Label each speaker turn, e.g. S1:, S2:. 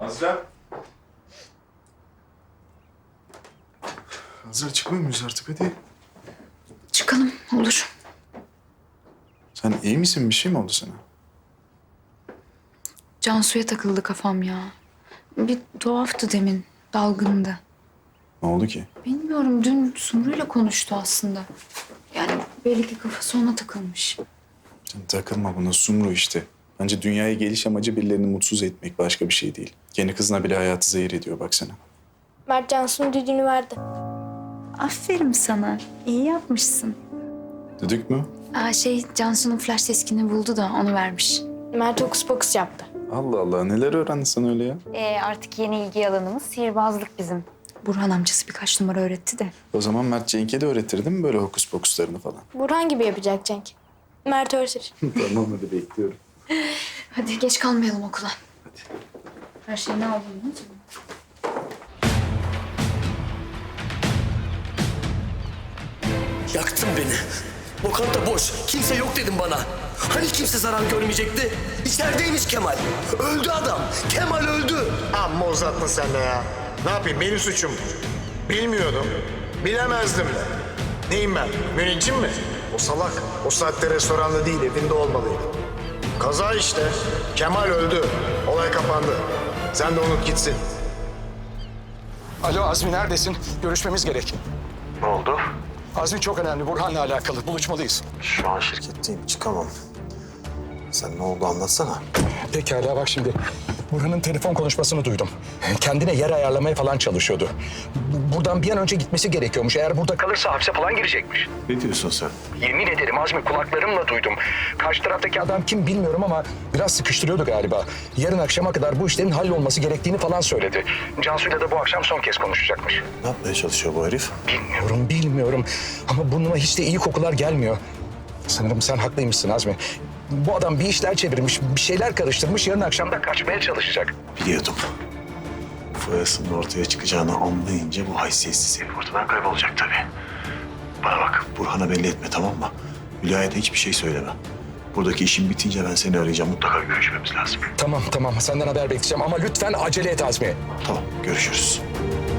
S1: Azra. Azra çıkmıyor muyuz artık hadi?
S2: Çıkalım olur.
S1: Sen iyi misin? Bir şey mi oldu sana?
S2: Cansu'ya takıldı kafam ya. Bir tuhaftı demin. Dalgındı.
S1: Ne oldu ki?
S2: Bilmiyorum, dün Sumru'yla konuştu aslında. Yani belli ki kafası ona takılmış.
S1: Sen takılma buna, Sumru işte. Bence dünyaya geliş amacı birilerini mutsuz etmek, başka bir şey değil. Kendi kızına bile hayatı zehir ediyor baksana.
S3: Mert Cansu'nun düdüğünü verdi.
S2: Aferin sana. İyi yapmışsın.
S1: Düdük mü?
S2: Cansu'nun flash diskini buldu da onu vermiş.
S3: Mert hokus pokus yaptı.
S1: Allah Allah, neler öğrendin sen öyle ya?
S2: Artık yeni ilgi alanımız sihirbazlık bizim. Burhan amcası birkaç numara öğretti de.
S1: O zaman Mert Cenk'e de öğretir değil mi böyle hokus pokuslarını falan?
S3: Burhan gibi yapacak Cenk. Mert öğretir.
S1: Tamam hadi bekliyorum.
S2: Hadi geç kalmayalım okula.
S1: Hadi.
S2: Her şeyini aldın mı?
S4: Yaktın beni. Lokanta boş. Kimse yok dedim bana. Hani kimse zarar görmeyecekti? İçerideymiş Kemal. Öldü adam. Kemal öldü.
S5: Amma uzattın sen de ya. Ne yapayım, benim suçum. Bilmiyordum. Bilemezdim de. Neyim ben? Müneccim mi? O salak. O saatte restoranda değil, evinde olmalıydı. Kaza işte. Kemal öldü. Olay kapandı. Sen de unut gitsin.
S6: Alo Azmi neredesin? Görüşmemiz gerek.
S5: Ne oldu?
S6: Azmi çok önemli. Burhan'la alakalı. Buluşmalıyız.
S5: Şu an şirketteyim, çıkamam. Sen ne oldu anlatsana.
S6: Pekala bak şimdi. Burhan'ın telefon konuşmasını duydum. Kendine yer ayarlamaya falan çalışıyordu. Buradan bir an önce gitmesi gerekiyormuş. Eğer burada kalırsa hapse falan girecekmiş.
S5: Ne diyorsun sen?
S6: Yemin ederim Azmi kulaklarımla duydum. Karşı taraftaki adam kim bilmiyorum ama biraz sıkıştırıyordu galiba. Yarın akşama kadar bu işlerin hallolması gerektiğini falan söyledi. Cansu'yla da bu akşam son kez konuşacakmış.
S5: Ne yapmaya çalışıyor bu herif?
S6: Bilmiyorum ama burnuma hiç de iyi kokular gelmiyor. Sanırım sen haklıymışsın Azmi. Bu adam bir işler çevirmiş, bir şeyler karıştırmış. Yarın akşam da kaçmaya çalışacak.
S5: Biliyordum. Foyasının ortaya çıkacağını anlayınca bu haysiyetsiz herif ortadan kaybolacak tabii. Bana bak, Burhan'a belli etme, tamam mı? Hülya'ya da hiçbir şey söyleme. Buradaki işim bitince ben seni arayacağım. Mutlaka görüşmemiz lazım.
S6: Tamam. Senden haber bekleyeceğim ama lütfen acele et Azmi.
S5: Tamam, görüşürüz.